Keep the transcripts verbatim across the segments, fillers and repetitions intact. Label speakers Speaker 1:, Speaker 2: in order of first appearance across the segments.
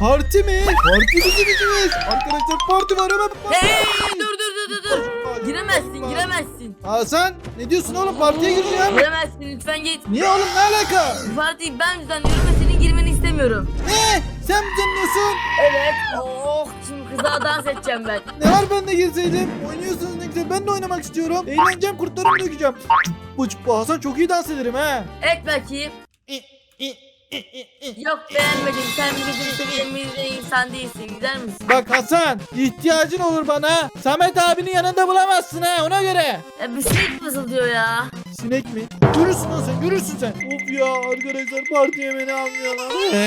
Speaker 1: Parti mi? Parti bizim işimiz. Arkadaşlar parti var hemen.
Speaker 2: Hey dur dur dur dur dur. Giremezsin giremezsin.
Speaker 1: Hasan ne diyorsun oğlum, partiye gireceğim.
Speaker 2: Giremezsin lütfen git.
Speaker 1: Niye oğlum, ne alaka?
Speaker 2: Bu partiyi ben düzenliyorum ve senin girmeni istemiyorum.
Speaker 1: Ne? Sen mi dinliyorsun?
Speaker 2: Evet. Oh şimdi kıza dans edeceğim ben.
Speaker 1: Ne var, ben de girseydim? Oynuyorsunuz ne güzel, ben de oynamak istiyorum. Eğleneceğim, kurtlarımı dökeceğim. Bu bu Hasan çok iyi dans ederim ha.
Speaker 2: Et bakayım.
Speaker 1: İ, i, i, i, i.
Speaker 2: Yok beğenmedim. Sen bizim seviyemizde insan değilsin. Gider misin?
Speaker 1: Bak Hasan, ihtiyacın olur bana. Samet abinin yanında bulamazsın ha, ona göre.
Speaker 2: Ya bir sinek fısıldıyor ya.
Speaker 1: Sinek mi? Görürsün lan sen, görürsün sen. Of ya arkadaşlar, partiye beni almıyorlar.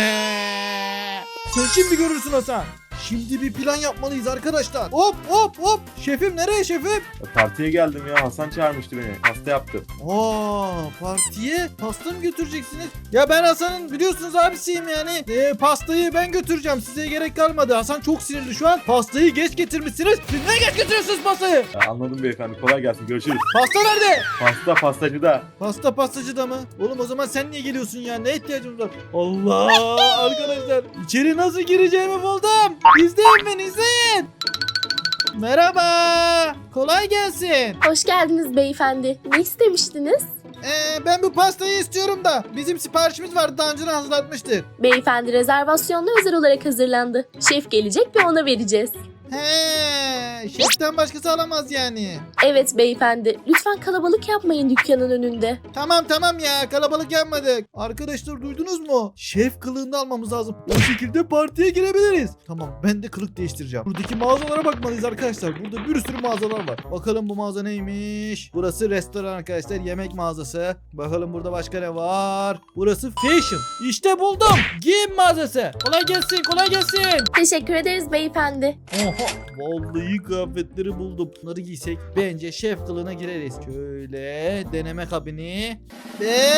Speaker 1: Sen şimdi görürsün Hasan. Şimdi bir plan yapmalıyız arkadaşlar. Hop hop hop. Şefim nereye şefim?
Speaker 3: Partiye geldim ya. Hasan çağırmıştı beni. Pasta yaptı.
Speaker 1: Aa, partiye pasta mı götüreceksiniz? Ya ben Hasan'ın biliyorsunuz abisiyim yani. Ee, pastayı ben götüreceğim. Size gerek kalmadı. Hasan çok sinirli şu an. Pastayı geç getirmişsiniz. Siz ne geç getiriyorsunuz pastayı?
Speaker 3: Ya anladım beyefendi. Kolay gelsin. Görüşürüz.
Speaker 1: Pasta nerede?
Speaker 3: Pasta pastacıda.
Speaker 1: Pasta pastacıda mı? Oğlum o zaman sen niye geliyorsun ya? Ne ihtiyacımız var? Allah arkadaşlar. İçeri nasıl gireceğimi buldum. İzleyin beni, izleyin. Merhaba. Kolay gelsin.
Speaker 4: Hoş geldiniz beyefendi. Ne istemiştiniz?
Speaker 1: Ee, ben bu pastayı istiyorum da. Bizim siparişimiz vardı, daha önceden hazırlatmıştık.
Speaker 4: Beyefendi rezervasyonla özel olarak hazırlandı. Şef gelecek ve ona vereceğiz.
Speaker 1: He, şeften başkası alamaz yani.
Speaker 4: Evet beyefendi. Lütfen kalabalık yapmayın dükkanın önünde.
Speaker 1: Tamam tamam ya, kalabalık yapmadık. Arkadaşlar duydunuz mu? Şef kılığında almamız lazım. O şekilde partiye girebiliriz. Tamam, ben de kılık değiştireceğim. Buradaki mağazalara bakmalıyız arkadaşlar. Burada bir sürü mağazalar var. Bakalım bu mağaza neymiş? Burası restoran arkadaşlar, yemek mağazası. Bakalım burada başka ne var? Burası fashion. İşte buldum. Giyim mağazası. Kolay gelsin, kolay gelsin.
Speaker 4: Teşekkür ederiz beyefendi.
Speaker 1: Oha, vallahi kıyafetleri buldum. Bunları giysek bence şef kılığına gireriz. Şöyle deneme kabini ve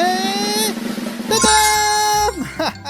Speaker 1: tadam!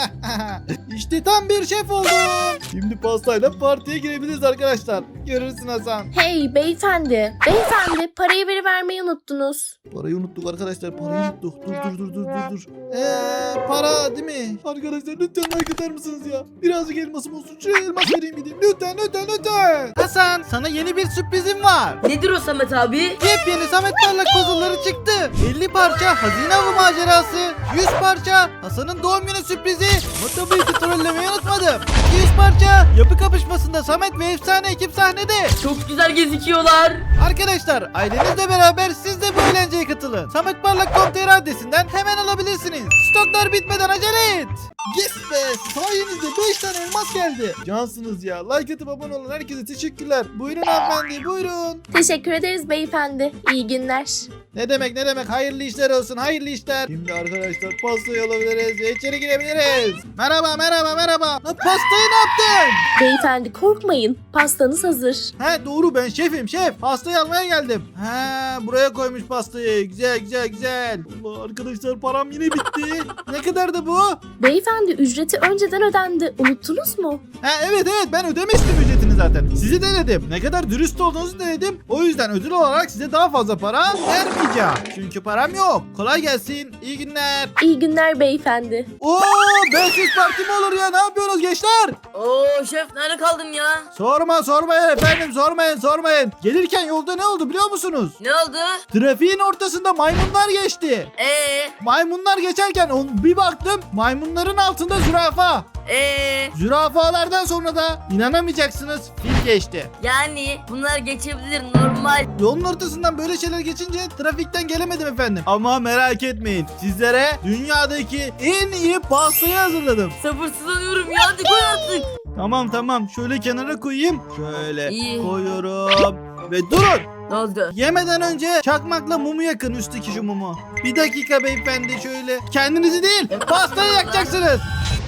Speaker 1: İşte tam bir şef oldum. Şimdi pastayla partiye girebiliriz arkadaşlar. Görürsün Hasan.
Speaker 4: Hey beyefendi. Beyefendi parayı veri vermeyi unuttunuz.
Speaker 1: Parayı unuttuk arkadaşlar, parayı unuttuk. Dur dur dur dur dur dur. Eee para değil mi? Arkadaşlar lütfen like atar mısınız ya? Birazcık elmasım olsun. Şu elmas vereyim gideyim. Lütfen lütfen lütfen. Hasan, sana yeni bir sürprizim var.
Speaker 2: Nedir o Samet abi?
Speaker 1: Yepyeni Samet Parlak puzzle'ları çıktı. elli parça hazine avı macerası, yüz parça Hasan'ın doğum günü sürprizi. Ama tabii ki trollemeyi unutmadım. iki yüz parça yapı kapışmasında Samet ve efsane ekip sahnede.
Speaker 2: Çok güzel gözüküyorlar.
Speaker 1: Arkadaşlar ailenizle beraber siz de bu eğlenceye katılın. samet parlak nokta com nokta tr adresinden hemen alabilirsiniz. Stoklar bitmeden acele et. Yes be, sayenizde beş tane elmas geldi. Cansınız ya. Like atıp abone olan herkese teşekkürler. Buyurun hanımefendi, buyurun.
Speaker 4: Teşekkür ederiz beyefendi. İyi günler.
Speaker 1: Ne demek ne demek, hayırlı işler olsun, hayırlı işler. Şimdi arkadaşlar pastayı alabiliriz ve içeri girebiliriz. Merhaba merhaba merhaba. Lan pastayı ne yaptın?
Speaker 4: Beyefendi korkmayın. Pastanız hazır.
Speaker 1: He doğru, ben şefim şef. Pastayı almaya geldim. He buraya koymuş pastayı. Güzel güzel güzel. Allah arkadaşlar, param yine bitti. Ne kadar da bu?
Speaker 4: Beyefendi ücreti önceden ödendi. Unuttunuz mu?
Speaker 1: Ha evet evet, ben ödemiştim ücretini zaten. Sizi denedim. Ne kadar dürüst olduğunuzu denedim. O yüzden ödül olarak size daha fazla para vermeyeceğim. Çünkü param yok. Kolay gelsin. İyi günler.
Speaker 4: İyi günler beyefendi.
Speaker 1: Oo, bensiz parti mi olur ya? Ne yapıyorsunuz gençler?
Speaker 2: Oo şef nerede kaldın ya?
Speaker 1: Sorma sormayın efendim, sormayın sormayın. Gelirken yolda ne oldu biliyor musunuz?
Speaker 2: Ne oldu?
Speaker 1: Trafiğin ortasında maymunlar geçti.
Speaker 2: Eee?
Speaker 1: Maymunlar geçerken on, bir baktım maymunların altında zürafa.
Speaker 2: Eee?
Speaker 1: Zürafalardan sonra da inanamayacaksınız, fil geçti.
Speaker 2: Yani bunlar geçebilir normal.
Speaker 1: Yolun ortasından böyle şeyler geçince trafikten gelemedim efendim. Ama merak etmeyin, sizlere dünyadaki en iyi pastayı hazırladım.
Speaker 2: Sabırsızlanıyorum ya, hadi koy artık.
Speaker 1: Tamam tamam, şöyle kenara koyayım. Şöyle
Speaker 2: İyi.
Speaker 1: koyuyorum. Ve durun.
Speaker 2: Ne oldu?
Speaker 1: Yemeden önce çakmakla mumu yakın, üstteki şu mumu. Bir dakika beyefendi, şöyle. Kendinizi değil, pastayı yakacaksınız.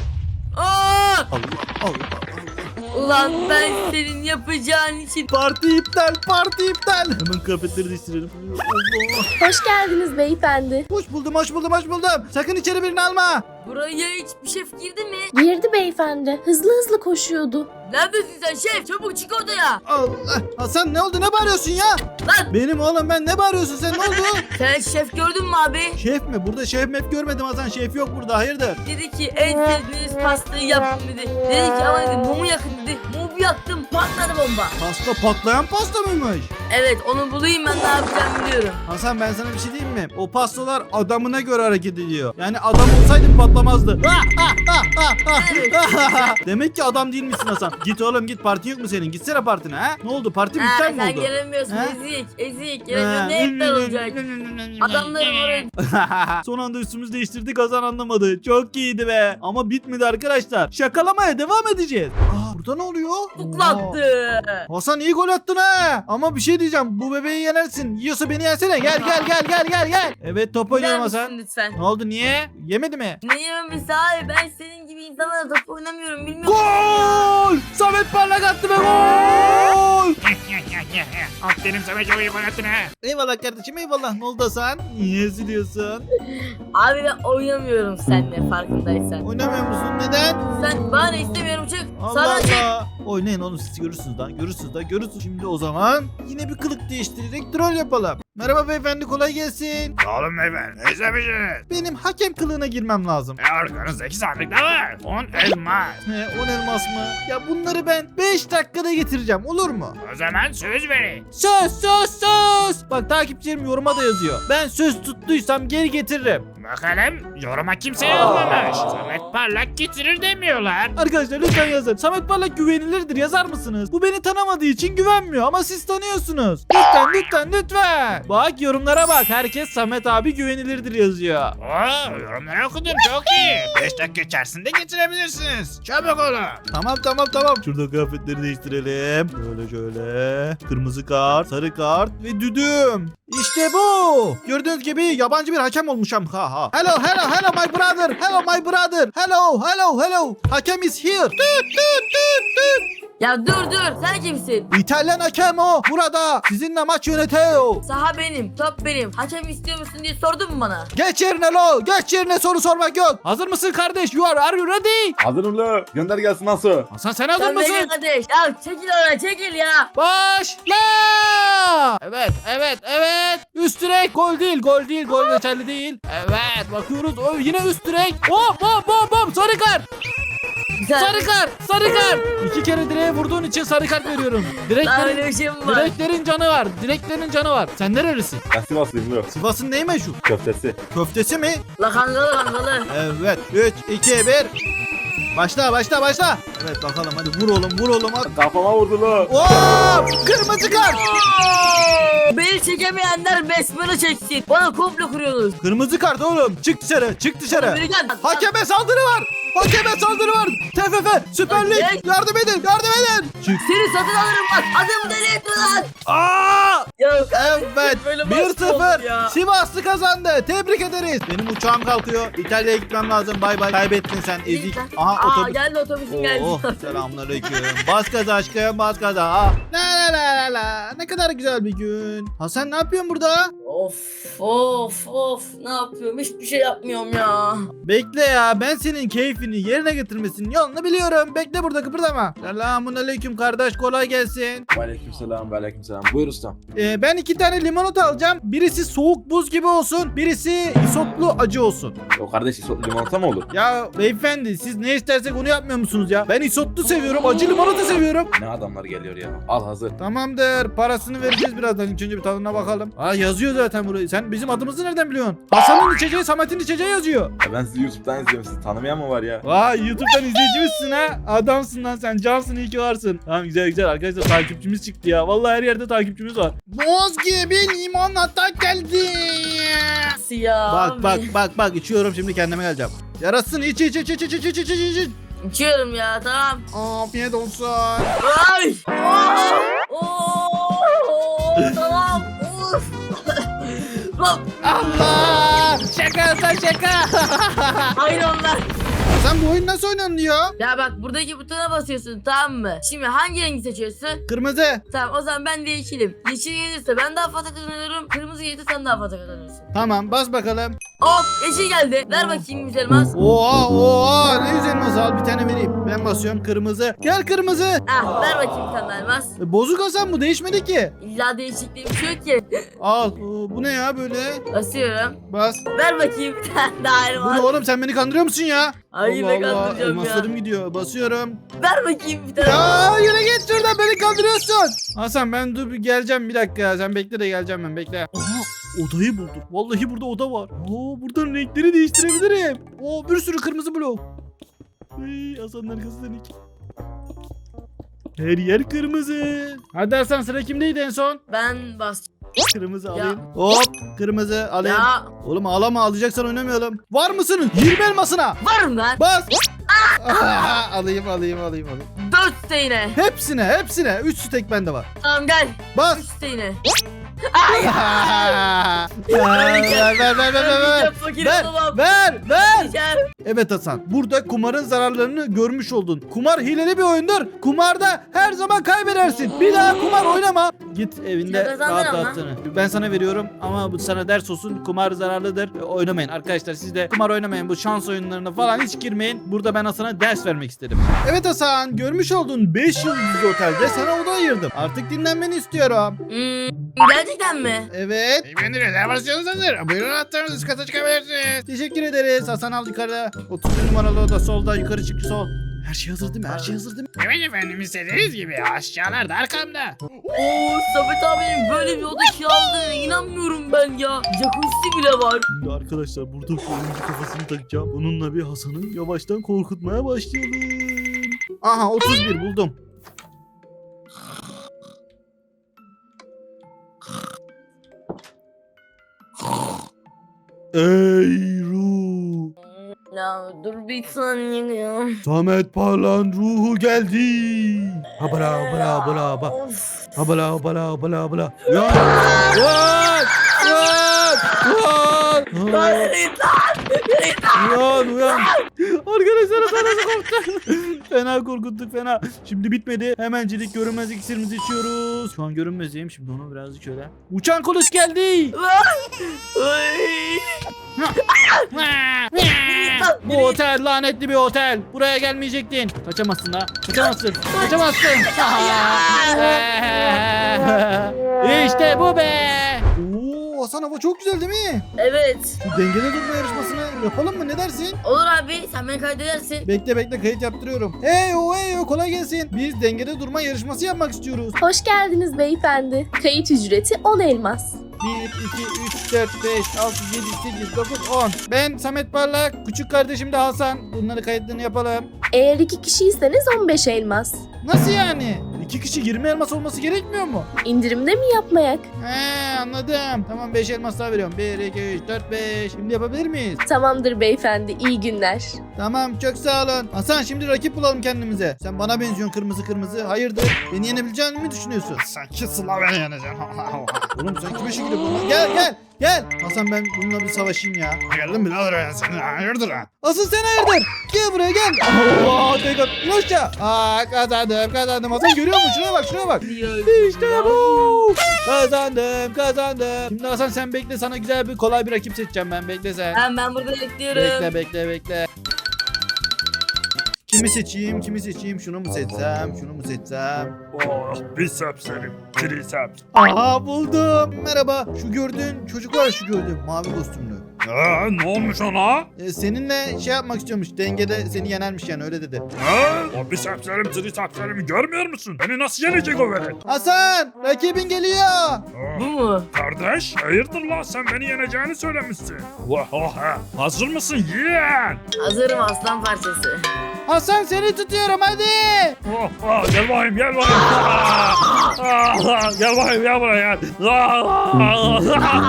Speaker 2: Aa!
Speaker 1: Allah Allah.
Speaker 2: Ulan ben senin yapacağın için.
Speaker 1: Parti iptal, parti iptal. Hemen kıyafetleri değiştirelim. Allah.
Speaker 4: Hoş geldiniz beyefendi.
Speaker 1: Hoş buldum, hoş buldum, hoş buldum. Sakın içeri birini alma.
Speaker 2: Buraya hiçbir şef girdi mi?
Speaker 4: Girdi beyefendi. Hızlı hızlı koşuyordu.
Speaker 2: Neredesin sen şef? Çabuk çık odaya.
Speaker 1: Allah. Hasan ne oldu? Ne bağırıyorsun ya?
Speaker 2: Lan
Speaker 1: Benim oğlum ben ne bağırıyorsun sen? Ne oldu?
Speaker 2: sen şef gördün mü abi?
Speaker 1: Şef mi? Burada şef mef görmedim Hasan. Şef yok burada. Hayırdır?
Speaker 2: Dedi ki en sevdiğiniz pastayı yapın dedi. Dedi ki ama dedi mumu yakın dedi. Mumu yaktım patladı bomba.
Speaker 1: Pasta patlayan pasta mıymış?
Speaker 2: Evet onu bulayım ben ne yapacağımı biliyorum.
Speaker 1: Hasan ben sana bir şey diyeyim mi? O pastalar adamına göre hareket ediyor. Yani adam olsaydın patlamazdı. Demek ki adam değil misin Hasan? Git oğlum git, parti yok mu senin? Gitsene partine ha? Ne oldu, parti
Speaker 2: Ha,
Speaker 1: biter mi
Speaker 2: sen
Speaker 1: oldu?
Speaker 2: gelemiyorsun
Speaker 1: Ha?
Speaker 2: ezik ezik. Gelemiyorsun ne iptal olacak? Adamlarım oraya.
Speaker 1: Son anda üstümüzü değiştirdik, Hasan anlamadı. Çok iyiydi be. Ama bitmedi arkadaşlar. Şakalamaya devam edeceğiz. Aa, burada ne oluyor?
Speaker 2: Tuklaktı.
Speaker 1: Hasan iyi gol attın ha. Ama bir şey diyeceğim. Bu bebeği yenersin. Yiyorsa beni yensene. Gel gel gel gel gel gel. Evet top
Speaker 2: Gider
Speaker 1: oynuyorum
Speaker 2: misin
Speaker 1: Hasan.
Speaker 2: lütfen?
Speaker 1: Ne oldu, niye? Yemedi mi?
Speaker 2: Ne yememesi abi ben senin gibi insanlarla top oynamıyorum bilmiyorum.
Speaker 1: Gol! Samet Parlak attı be, gol!
Speaker 5: Aferin sana çok iyi gol attın ha.
Speaker 1: Eyvallah kardeşim, eyvallah. Ne oldu Hasan? Niye üzülüyorsun?
Speaker 2: Abi ben oynamıyorum seninle farkındaysan.
Speaker 1: Oynamıyor musun? Neden?
Speaker 2: Sen bana istemiyorum çık.
Speaker 1: Allah
Speaker 2: Sana çık.
Speaker 1: Allah. Oynayın oğlum, siz görürsünüz lan. Görürsünüz lan, görürsünüz. Şimdi o zaman yine bir kılık değiştirerek troll yapalım. Merhaba beyefendi, kolay gelsin.
Speaker 5: Oğlum beyefendi ne istemişsiniz?
Speaker 1: Benim hakem kılığına girmem lazım.
Speaker 5: E arkanızdaki sandıkta var. On elmas.
Speaker 1: He, on elmas mı? Ya bunları ben beş dakikada getireceğim, olur mu?
Speaker 5: O zaman söz verin.
Speaker 1: Söz söz söz. Bak takipçilerim yoruma da yazıyor. Ben söz tuttuysam geri getiririm.
Speaker 5: Bakalım yoruma kimse yazmamış. Samet Parlak getirir demiyorlar.
Speaker 1: Arkadaşlar lütfen yazın. Samet Parlak güvenilirdir, yazar mısınız? Bu beni tanımadığı için güvenmiyor ama siz tanıyorsunuz. Lütfen lütfen lütfen. Bak yorumlara bak. Herkes Samet abi güvenilirdir yazıyor.
Speaker 5: Oo yorumları okudum çok iyi. beş dakika içerisinde getirebilirsiniz. Çabuk olun.
Speaker 1: Tamam tamam tamam. Şurada kıyafetleri değiştirelim. Şöyle şöyle. Kırmızı kart, sarı kart ve düdüm. İşte bu. Gördüğünüz gibi yabancı bir hakem olmuşum. Ha ha. Hello hello hello my brother. Hello my brother. Hello hello hello. Hakem is here. Tüt tüt tüt tüt.
Speaker 2: Ya dur dur sen kimsin?
Speaker 1: İtalyan hakem o. Burada. Sizinle maç yönetiyor.
Speaker 2: Saha benim, top benim. Hakem istiyor musun diye sordun mu bana?
Speaker 1: Geç yerine lo. Geç yerine, soru sormak yok. Hazır mısın kardeş? You are, are you ready?
Speaker 3: Hazırım la. Gönder gelsin nasıl?
Speaker 1: Hasan sen hazır
Speaker 2: Sen beni
Speaker 1: mısın?
Speaker 2: kardeş. Ya çekil oraya çekil ya.
Speaker 1: Başla! Evet, evet, evet. Üst direk, gol değil, gol değil, gol geçerli değil. Evet, bakıyoruz. O yine üst direk. Hop, hop, hop, hop. Sarı kart,
Speaker 2: Güzel.
Speaker 1: sarı kart, sarı kart. İki kere direğe vurduğun için sarı kart veriyorum.
Speaker 2: Daha
Speaker 1: Direklerin,
Speaker 2: öyle bir şey mi var?
Speaker 1: direklerin canı var, direklerin canı var. Sen nerelisin?
Speaker 3: Ben Sivaslıyım la.
Speaker 1: Sivas'ın neyi meşhur?
Speaker 3: Köftesi.
Speaker 1: Köftesi mi?
Speaker 2: La kangalı kangalı.
Speaker 1: Evet. üç, iki, bir. Başla, başla, başla. Evet bakalım, hadi vur oğlum, vur oğlum. Hadi.
Speaker 3: Kafama vurdu la.
Speaker 1: Hop! Kırmızı kart.
Speaker 2: Beni çekemeyenler besmele çeksin. Bana komplo kuruyorsunuz.
Speaker 1: Kırmızı kart oğlum. Çık dışarı, çık dışarı.
Speaker 2: Beni gel.
Speaker 1: Hakeme saldırı var. Hakeme saldırı var. T F F, Süper Lig.
Speaker 2: Hadi.
Speaker 1: Yardım edin, yardım edin. Çık.
Speaker 2: Seni satın alırım bak. Adamı deli etme lan.
Speaker 1: Aa!
Speaker 2: Ya
Speaker 1: Evet.
Speaker 2: Böyle
Speaker 1: bir
Speaker 2: baskı oldu
Speaker 1: sıfır.
Speaker 2: ya.
Speaker 1: Sivaslı kazandı. Tebrik ederiz. Benim uçağım kalkıyor. İtalya'ya gitmem lazım. Bay bay. Kaybettin sen ezik. Aha
Speaker 2: Aa
Speaker 1: otobüs.
Speaker 2: geldi otobüsün geldi.
Speaker 1: Oh, selamünaleyküm. Bas gaza aşkım, bas gaza. Ah. La la la la la. Ne kadar güzel bir gün. Hasan ne yapıyorsun burada?
Speaker 2: Of of of ne yapıyorum hiçbir şey yapmıyorum ya.
Speaker 1: Bekle ya, ben senin keyfini yerine getirmesinin yolunu biliyorum. Bekle burada, kıpırdama. Selamünaleyküm kardeş, kolay gelsin.
Speaker 3: Aleykümselam, aleykümselam. Buyur ustam.
Speaker 1: Ee, ben iki tane limonata alacağım. Birisi soğuk buz gibi olsun. Birisi isotlu acı olsun.
Speaker 3: O kardeş isotlu limonata mı olur?
Speaker 1: Ya beyefendi, siz ne istersek onu yapmıyor musunuz ya? Ben isotlu seviyorum, acı limonata seviyorum.
Speaker 3: Ne adamlar geliyor ya. Al hazır.
Speaker 1: Tamamdır, parasını vereceğiz birazdan. İlk önce bir tadına bakalım. Aa, yazıyor zaten burayı. Sen bizim adımızı nereden biliyorsun? Hasan'ın içeceği, Samet'in içeceği yazıyor.
Speaker 3: Ya ben sizi YouTube'dan izliyorum. Sizi tanımayan mı var ya?
Speaker 1: Vay, YouTube'dan izleyicimizsin ha. Adamsın lan sen, cansın, iyi ki varsın. Tamam, güzel güzel arkadaşlar, takipçimiz çıktı ya. Vallahi her yerde takipçimiz var. Boz gibi limonata geldi.
Speaker 2: Nasıl ya?
Speaker 1: Bak
Speaker 2: abi?
Speaker 1: bak bak bak, içiyorum şimdi, kendime geleceğim. Yarasın, iç iç iç iç iç iç iç iç iç.
Speaker 2: İçiyorum ya tamam.
Speaker 1: Afiyet olsun.
Speaker 2: Ay! Oo! Oo! Tamam. Uf. Lan
Speaker 1: Allah! Şaka sen şaka.
Speaker 2: hayır onlar.
Speaker 1: Hasan bu oyun nasıl oynanıyor?
Speaker 2: Ya bak buradaki butona basıyorsun tamam mı? Şimdi hangi rengi seçiyorsun?
Speaker 1: Kırmızı.
Speaker 2: Tamam o zaman ben de yeşilim. Yeşil gelirse ben daha fazla kazanıyorum. Kırmızı gelirse sen daha fazla kazanıyorsun.
Speaker 1: Tamam bas bakalım.
Speaker 2: Hop yeşil geldi. Ver bakayım güzel elmas.
Speaker 1: Oha oha ne güzel elmas, al bir tane vereyim. Ben basıyorum kırmızı. Gel kırmızı.
Speaker 2: Ah ver bakayım bir tane daha elmas.
Speaker 1: E, bozuk Hasan bu değişmedi ki.
Speaker 2: İlla değişikliği bir şey yok ki.
Speaker 1: Al. Oo, bu ne ya böyle?
Speaker 2: Basıyorum.
Speaker 1: Bas.
Speaker 2: Ver bakayım bir tane daha
Speaker 1: Bu
Speaker 2: elmas.
Speaker 1: ne oğlum, sen beni kandırıyor musun ya?
Speaker 2: Ay
Speaker 1: Allah
Speaker 2: ben
Speaker 1: Allah,
Speaker 2: kandıracağım ya.
Speaker 1: elmaslarım gidiyor. Basıyorum.
Speaker 2: Ver bakayım bir tane.
Speaker 1: Ya yürü git şuradan, beni kandırıyorsun. Hasan ben dur bir geleceğim bir dakika ya. Sen bekle de geleceğim ben, bekle. Aha odayı buldum. Vallahi burada oda var. Oo buradan renkleri değiştirebilirim. Oo bir sürü kırmızı blok. Ay, Hasan'ın arkasından iki. Her yer kırmızı. Hadi Hasan sıra kimdeydi en son?
Speaker 2: Ben bas.
Speaker 1: Kırmızı
Speaker 2: Ya.
Speaker 1: alayım. Hop kırmızı alayım.
Speaker 2: Ya
Speaker 1: Oğlum ağlama, alacaksan oynamayalım. Var mısın? yirmi elmasına.
Speaker 2: varım lan.
Speaker 1: Bas. Aa, alayım alayım alayım alayım.
Speaker 2: Dört steyine.
Speaker 1: Hepsine hepsine. üç stek bende var.
Speaker 2: Tamam gel.
Speaker 1: Bas.
Speaker 2: Üç steyine.
Speaker 1: ver ver ver ver ver ver.
Speaker 2: Fakir
Speaker 1: Ver
Speaker 2: olamam.
Speaker 1: ver ver.
Speaker 2: Gel.
Speaker 1: Evet Hasan, burada kumarın zararlarını görmüş oldun. Kumar hileli bir oyundur. Kumarda her zaman kaybedersin. Bir daha kumar oynama. Git evinde
Speaker 2: Ya kazandın
Speaker 1: rahat
Speaker 2: ama.
Speaker 1: rahatını. Ben sana veriyorum ama bu sana ders olsun. Kumar zararlıdır. E, Oynamayın arkadaşlar, siz de kumar oynamayın. Bu şans oyunlarına falan hiç girmeyin. Burada ben Hasan'a ders vermek istedim. Evet Hasan, görmüş olduğun beş yıldızlı otelde sana oda ayırdım. Artık dinlenmeni istiyorum.
Speaker 2: Hmm, gerçekten mi?
Speaker 1: Evet.
Speaker 5: Beyefendi rezervasyonunuz hazır. Buyurun anahtarınızı üst kata çıkabilirsiniz.
Speaker 1: Teşekkür ederiz. Hasan al yukarıda. otuz bir numaralı oda solda, yukarı çık sol. Her şey hazır değil mi? Her şey hazır değil mi?
Speaker 5: Evet efendim, istediğiniz gibi aşağılarda arkamda.
Speaker 2: Oo Samet abinin böyle bir oda kiraladığına inanmıyorum ben ya. Jacuzzi bile var.
Speaker 1: Şimdi arkadaşlar burada şu oyuncu kafasını takacağım. Bununla bir Hasan'ı yavaştan korkutmaya başlayalım. Aha otuz bir buldum. Ey ruh.
Speaker 2: Ya dur bir saniye ya.
Speaker 1: Samet Parlan ruhu geldi. Ha bra bra bra ba.
Speaker 2: Of.
Speaker 1: Ha bla bla bla bla. Uyan. Uyan. Uyan. Uyan.
Speaker 2: Lan yürü git lan. Yürü git lan.
Speaker 1: Uyan uyan. Arkadaşlar Hasan nasıl korktu? Fena korkuttuk fena. Şimdi bitmedi. Hemencilik görünmez iksirimizi içiyoruz. Şu an görünmezeyim. Şimdi onu birazcık şöyle. Uçan kılıç geldi.
Speaker 2: Ay.
Speaker 1: Bu otel lanetli bir otel. Buraya gelmeyecektin. Kaçamazsın ha. Kaçamazsın. Kaçamazsın. İşte bu be. Oo, Hasan hava çok güzel değil mi?
Speaker 2: Evet.
Speaker 1: Şu dengede durma yarışmasını yapalım mı? Ne dersin?
Speaker 2: Olur abi sen beni kaydedersin.
Speaker 1: Bekle bekle, kayıt yaptırıyorum. Hey o hey o, kolay gelsin. Biz dengede durma yarışması yapmak istiyoruz.
Speaker 4: Hoş geldiniz beyefendi. Kayıt ücreti on elmas.
Speaker 1: bir, iki, üç, dört, beş, altı, yedi, sekiz, dokuz, on. Ben Samet Parlak, küçük kardeşim de Hasan. Bunları kayıtlarını yapalım.
Speaker 4: Eğer iki kişiyseniz on beş elmas.
Speaker 1: Nasıl yani? İki kişi yirmi elmas olması gerekmiyor mu?
Speaker 4: İndirimde mi yapmayak?
Speaker 1: He anladım. Tamam beş elmas daha veriyorum. bir, iki, üç, dört, beş. Şimdi yapabilir miyiz?
Speaker 4: Tamamdır beyefendi, iyi günler.
Speaker 1: Tamam çok sağ olun. Hasan şimdi rakip bulalım kendimize. Sen bana benziyorsun kırmızı kırmızı. Hayırdır? Beni yenebileceğini mi düşünüyorsun?
Speaker 5: Sanki Sıla beni yeneceksin.
Speaker 1: Oğlum sen kime şekilde buldun? Gel gel gel. Hasan ben bununla bir savaşayım ya.
Speaker 5: Geldim birader ben seni. Hayırdır ha?
Speaker 1: Asıl sen hayırdır? Gel buraya gel. Oo tek at. İn aşağı. Aa kazandım kazandım. Hasan görüyor musun? Şuraya bak şuraya bak. İşte bu. Kazandım kazandım. Şimdi Hasan sen bekle, sana güzel bir kolay bir rakip seçeceğim ben. Bekle sen.
Speaker 2: Ben, ben burada bekliyorum.
Speaker 1: Bekle bekle bekle. Kimi seçeyim kimi seçeyim? Şunu mu seçsem şunu mu seçsem?
Speaker 5: Oh biceps senin. Triceps.
Speaker 1: Aha buldum. Merhaba. Şu gördüğün çocuk var, şu gördüğün mavi kostümlü.
Speaker 5: Aa, ne olmuş ona?
Speaker 1: Ee, seninle şey yapmak istiyormuş. Dengede seni yenermiş yani, öyle dedi.
Speaker 5: Ha? O bicepslerim, tricepslerimi görmüyor musun? Beni nasıl yenecek o velet?
Speaker 1: Hasan rakibin geliyor.
Speaker 5: Aa,
Speaker 2: Bu mu?
Speaker 5: kardeş, hayırdır lan, sen beni yeneceğini söylemişsin. Oha, hazır mısın yeğen?
Speaker 2: Hazırım aslan parçası.
Speaker 1: Hasan seni tutuyorum hadi.
Speaker 5: Oh, oh, gel bakayım, gel bakayım. Aa, aa, gel bakayım, gel buraya gel. Aa,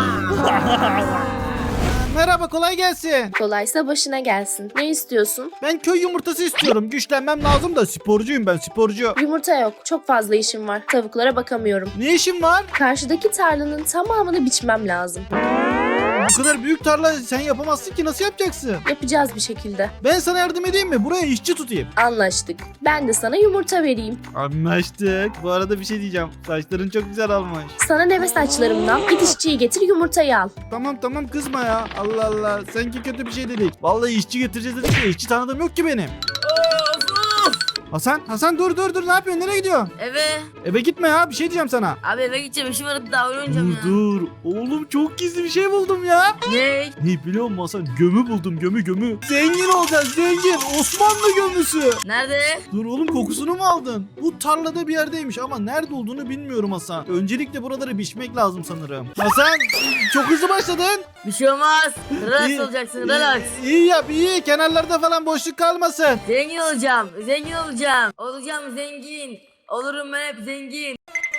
Speaker 1: Merhaba kolay gelsin.
Speaker 4: Kolaysa başına gelsin. Ne istiyorsun?
Speaker 1: Ben köy yumurtası istiyorum. Güçlenmem lazım da sporcuyum ben, sporcu.
Speaker 4: Yumurta yok. Çok fazla işim var. Tavuklara bakamıyorum.
Speaker 1: Ne işin var?
Speaker 4: Karşıdaki tarlanın tamamını biçmem lazım.
Speaker 1: bu kadar büyük tarla sen yapamazsın ki, nasıl yapacaksın?
Speaker 4: Yapacağız bir şekilde.
Speaker 1: Ben sana yardım edeyim mi? Buraya işçi tutayım.
Speaker 4: Anlaştık. Ben de sana yumurta vereyim.
Speaker 1: Anlaştık. Bu arada bir şey diyeceğim. Saçların çok güzel almış.
Speaker 4: Sana deve saçlarımdan git işçiyi getir yumurtayı al.
Speaker 1: Tamam tamam kızma ya. Allah Allah. Sanki kötü bir şey dedik. Vallahi işçi getireceğiz dedik ya. İşçi tanıdığım yok ki benim.
Speaker 2: Of of.
Speaker 1: Hasan, Hasan dur dur dur. Ne yapıyorsun? Nereye gidiyorsun?
Speaker 2: Eve.
Speaker 1: Eve gitme ya. Bir şey diyeceğim sana.
Speaker 2: Abi eve gideceğim, işim var, daha oynayacağım
Speaker 1: Dur
Speaker 2: ya.
Speaker 1: dur. Oğlum çok gizli bir şey buldum ya.
Speaker 2: Ne?
Speaker 1: Ne biliyor musun Hasan? Gömü buldum. Gömü gömü. Zengin olacaksın. Zengin. Osmanlı gömüsü.
Speaker 2: Nerede?
Speaker 1: Dur oğlum, kokusunu mu aldın? Bu tarlada bir yerdeymiş ama nerede olduğunu bilmiyorum Hasan. Öncelikle buraları biçmek lazım sanırım. Hasan çok hızlı başladın.
Speaker 2: Bir şey olmaz. Relax
Speaker 1: İyi,
Speaker 2: olacaksın,
Speaker 1: iyi,
Speaker 2: relax.
Speaker 1: İyi yap iyi. Kenarlarda falan boşluk kalmasın.
Speaker 2: Zengin olacağım, zengin olacağım. Olacağım zengin. Olurum ben hep zengin.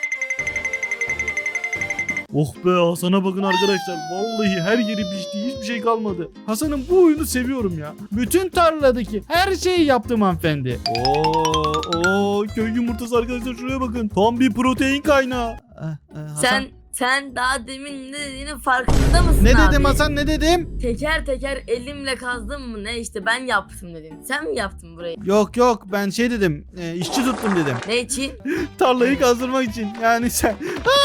Speaker 1: Oh be, Hasan'a bakın arkadaşlar. Vallahi her yeri biçti. Hiçbir şey kalmadı. Hasan'ın bu oyunu seviyorum ya. Bütün tarladaki her şeyi yaptım hanımefendi. Oo, oo, köy yumurtası arkadaşlar, şuraya bakın. Tam bir protein kaynağı. Eh, eh, Hasan.
Speaker 2: Sen sen daha demin ne dediğinin farkında mısın
Speaker 1: Ne
Speaker 2: abi?
Speaker 1: dedim Hasan, ne dedim?
Speaker 2: Teker teker elimle kazdım mı ne, işte ben yaptım dedim. Sen mi yaptın burayı?
Speaker 1: Yok yok, ben şey dedim. E, işçi tuttum dedim.
Speaker 2: Ne için?
Speaker 1: Tarlayı kazdırmak için. Yani sen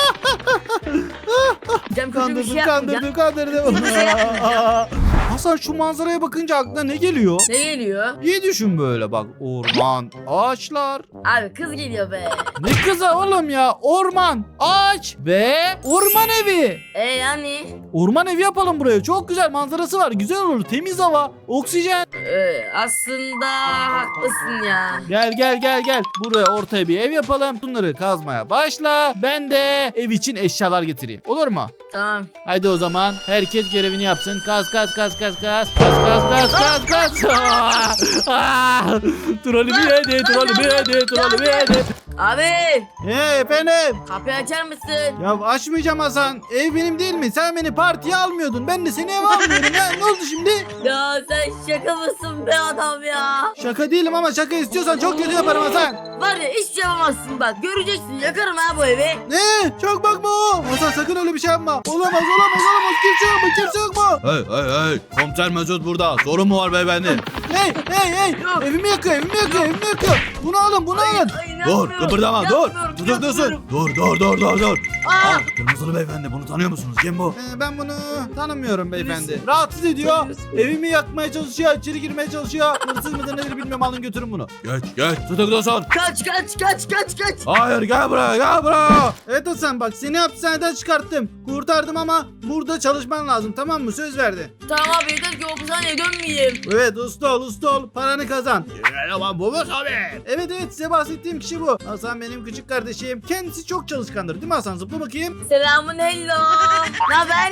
Speaker 2: Cem kötü bir şey
Speaker 1: kandırdın
Speaker 2: yapmayacağım.
Speaker 1: kandırdın kandırdın.
Speaker 2: Hiçbir şey yapmayacağım.
Speaker 1: Hasan şu manzaraya bakınca aklına ne geliyor?
Speaker 2: Ne geliyor?
Speaker 1: İyi düşün böyle bak. Orman, ağaçlar.
Speaker 2: Abi kız geliyor be.
Speaker 1: Ne kızı oğlum ya? Orman, ağaç ve orman evi.
Speaker 2: E yani?
Speaker 1: Orman evi yapalım buraya. Çok güzel manzarası var. Güzel olur. Temiz hava, oksijen.
Speaker 2: Ee, aslında haklısın ya.
Speaker 1: Gel gel gel gel. Buraya ortaya bir ev yapalım. Bunları kazmaya başla. Ben de ev için eşyalar getireyim. Olur mu?
Speaker 2: Tamam.
Speaker 1: Haydi o zaman herkes görevini yapsın. Kaz kaz kaz kaz kaz. Kaz kaz kaz kaz kaz. Trolümü yedi, trolümü yedi, trolümü yedi.
Speaker 2: Abi
Speaker 1: Hey efendim.
Speaker 2: kapıyı açar mısın?
Speaker 1: Ya açmayacağım Hasan. Ev benim değil mi? Sen beni partiye almıyordun. Ben de seni eve almıyorum ya. Ne oldu şimdi?
Speaker 2: Ya sen şaka mısın be adam ya?
Speaker 1: Şaka değilim ama şaka istiyorsan çok kötü yaparım Hasan.
Speaker 2: Var ya hiç şey yapamazsın bak. Göreceksin, yakarım ha bu evi.
Speaker 1: Ne? Çok bakma o. Hasan sakın öyle bir şey yapma. Olamaz olamaz olamaz. Kimse yok mu? Kimse yok mu? Hey hey hey. Komiser Mesut burada. Sorun mu var beyefendi? Hey hey hey.
Speaker 2: Yok.
Speaker 1: Evimi yakıyor evimi yakıyor evimi yakıyor. Bunu alın bunu alın.
Speaker 2: Ay,
Speaker 1: Dur
Speaker 2: inanmıyorum,
Speaker 1: kıpırdama dur.
Speaker 2: inanmıyorum,
Speaker 1: Tutuklusun.
Speaker 2: inanmıyorum.
Speaker 1: Dur dur dur dur dur.
Speaker 2: Aa,
Speaker 1: Aa, kırmızılı beyefendi, bunu tanıyor musunuz? Kim bu? Ee, ben bunu tanımıyorum beyefendi. Rahatsız ediyor. Evimi yakmaya çalışıyor. İçeri girmeye çalışıyor. Hırsız mıdır nedir bilmiyorum. Alın götürün bunu. Geç geç. Tutuklusun.
Speaker 2: kaç kaç kaç kaç kaç.
Speaker 1: Hayır gel buraya gel buraya. Evet Hasan bak, seni hapishaneden çıkarttım. Kurtardım ama burada çalışman lazım, tamam mı? Söz verdi.
Speaker 2: Tamam abi, yeter ki hapishaneye dönmeyeyim.
Speaker 1: Evet usta ol usta ol. Paranı kazan. Ama bu mu tabii? Evet evet, size bahsettiğim kişi bu. Hasan benim küçük kardeşim. Kendisi çok çalışkandır değil mi Hasan? Zıpla bakayım.
Speaker 2: Selamun hello. Ne haber?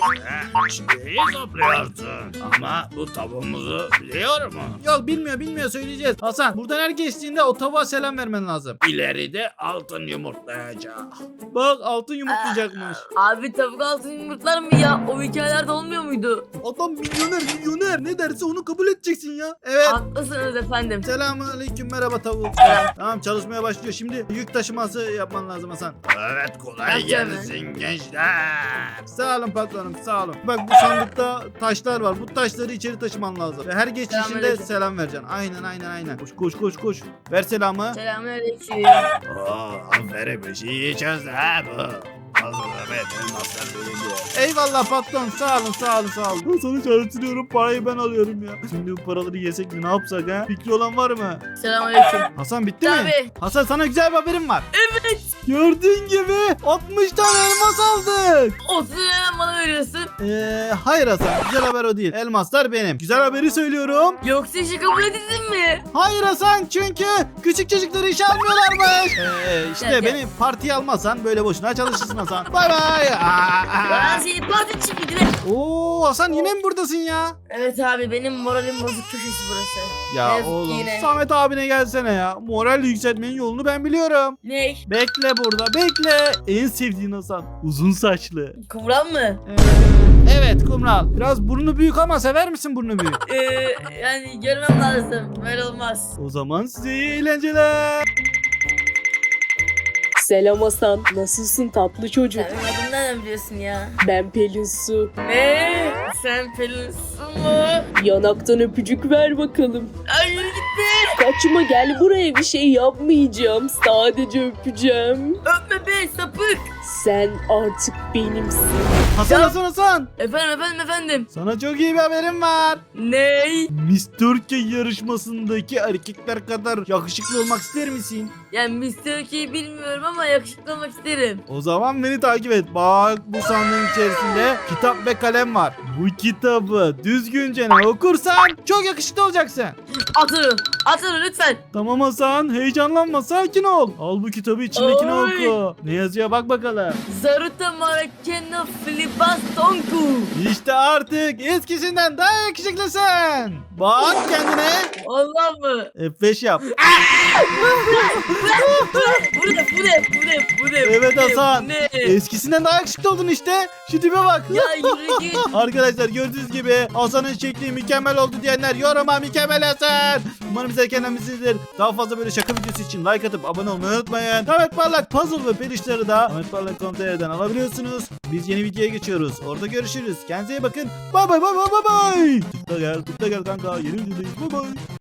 Speaker 5: İyi topluyorsun ama bu tavuğumuzu biliyor mu?
Speaker 1: Yok bilmiyor bilmiyor, söyleyeceğiz. Hasan buradan her geçtiğinde o tavuğa selam vermen lazım.
Speaker 5: İleride altın yumurtlayacak.
Speaker 1: Bak altın yumurtlayacakmış.
Speaker 2: Abi tavuk altın yumurtlar mı ya? O hikayelerde olmuyor muydu?
Speaker 1: Adam milyoner milyoner, ne derse onu kabul edeceksin ya. Evet.
Speaker 2: Haklısınız efendim.
Speaker 1: Selamun aleyküm, merhaba tavuk. Tamam çalışmaya başlıyor. Şimdi yük taşıması yapman lazım Hasan.
Speaker 5: Evet, kolay
Speaker 2: Yapacağım
Speaker 5: gelsin gençler.
Speaker 1: Sağ olun patronum sağ olun. Bak bu sandıkta taşlar var. Bu taşları içeri taşıman lazım. Ve her geçişinde
Speaker 2: Selamünaleyküm.
Speaker 1: selam vereceksin. Aynen aynen aynen. Koş koş koş koş. Ver selamı.
Speaker 2: Selamünaleyküm.
Speaker 5: Oo, aferin, bir şey yiyeceğiz ha bu. Evet, elmaslar büyüdü.
Speaker 1: Eyvallah patron, sağ olun sağ olun sağ olun. Ben sana çalıştırıyorum, parayı ben alıyorum ya. Şimdi bu paraları yesek mi, ne yapsak ha? Fikri olan var mı?
Speaker 2: Selamünaleyküm.
Speaker 1: Hasan bitti mi?
Speaker 2: Tabii.
Speaker 1: Hasan sana güzel bir haberim var.
Speaker 2: Evet.
Speaker 1: Gördüğün gibi altmış tane elmas aldık.
Speaker 2: otuz hemen bana veriyorsun.
Speaker 1: Eee hayır Hasan, güzel haber o değil. Elmaslar benim. Güzel haberi söylüyorum.
Speaker 2: Yoksa işi kabul edildin mi?
Speaker 1: Hayır Hasan, çünkü küçük çocukları işe almıyorlarmış. Eee işte
Speaker 2: Gel, gel.
Speaker 1: beni partiye almazsan böyle boşuna çalışırsın Hasan. Bay bay. Aa, aa.
Speaker 2: Ben seni parti için gidin.
Speaker 1: Oo Hasan yine mi buradasın ya?
Speaker 2: Evet abi, benim moralim bozuk köşesi burası.
Speaker 1: Ya
Speaker 2: Evet,
Speaker 1: oğlum
Speaker 2: yine.
Speaker 1: Samet abine gelsene ya. Moral yükseltmenin yolunu ben biliyorum.
Speaker 2: Ney?
Speaker 1: Bekle burada bekle. En sevdiğin Hasan. Uzun saçlı.
Speaker 2: Kıvran mı?
Speaker 1: Ee, evet kumral. Biraz burnu büyük ama sever misin burnu büyük?
Speaker 2: Ee, yani görmem lazım. Böyle olmaz.
Speaker 1: O zaman size iyi eğlenceler.
Speaker 6: Selam Hasan, nasılsın tatlı çocuk?
Speaker 2: Sen benim adımı nereden biliyorsun ya?
Speaker 6: Ben Pelin Su.
Speaker 2: Ne? Sen Pelin'sin mı?
Speaker 4: Yanaktan öpücük ver bakalım.
Speaker 2: Hayır gitti.
Speaker 4: Kaçma, gel buraya, bir şey yapmayacağım. Sadece öpeceğim.
Speaker 2: Öpme be sapık.
Speaker 4: Sen artık benimsin.
Speaker 1: Hasan
Speaker 2: Ya-
Speaker 1: Hasan Hasan.
Speaker 2: Efendim efendim efendim.
Speaker 1: Sana çok iyi bir haberim var.
Speaker 2: Ney?
Speaker 1: Miss Türkiye yarışmasındaki erkekler kadar yakışıklı olmak ister misin?
Speaker 2: Yani mister Okey'i bilmiyorum ama yakışıklı olmak isterim.
Speaker 1: O zaman beni takip et. Bak, bu sandığın içerisinde kitap ve kalem var. Bu kitabı düzgünce okursan çok yakışıklı olacaksın.
Speaker 2: Atın. Atın lütfen.
Speaker 1: Tamam Hasan, heyecanlanma, sakin ol. Al bu kitabı, içindekini
Speaker 2: Oy.
Speaker 1: oku. Ne yazıyor bak bakalım.
Speaker 2: Zaruta Marakeno Filibastonku.
Speaker 1: İşte artık eskisinden daha yakışıklısın. Bak kendine.
Speaker 2: Allah mı?
Speaker 1: F beş yap.
Speaker 2: Bu ne? Bu ne? Bu ne? Bu ne?
Speaker 1: Evet
Speaker 2: Bu ne?
Speaker 1: Hasan.
Speaker 2: Bu ne?
Speaker 1: Eskisinden daha yakışıklı oldun işte. Şu tipe bak.
Speaker 2: Ya yürü git.
Speaker 1: Arkadaşlar gördüğünüz gibi Hasan'ın şekli mükemmel oldu diyenler yoruma mükemmel Hasan. Umarım size kendimizdir. Daha fazla böyle şaka videosu için like atıp abone olmayı unutmayın. Ahmet Parlak puzzle ve pelişleri de ahmet parlak nokta com nokta tr'den alabiliyorsunuz. Biz yeni videoya geçiyoruz. Orada görüşürüz. Kendinize iyi bakın. Bay bay bay bay bay bay. Tıkla gel tıkla gel kanka. Yeni videodayız. Bay bay.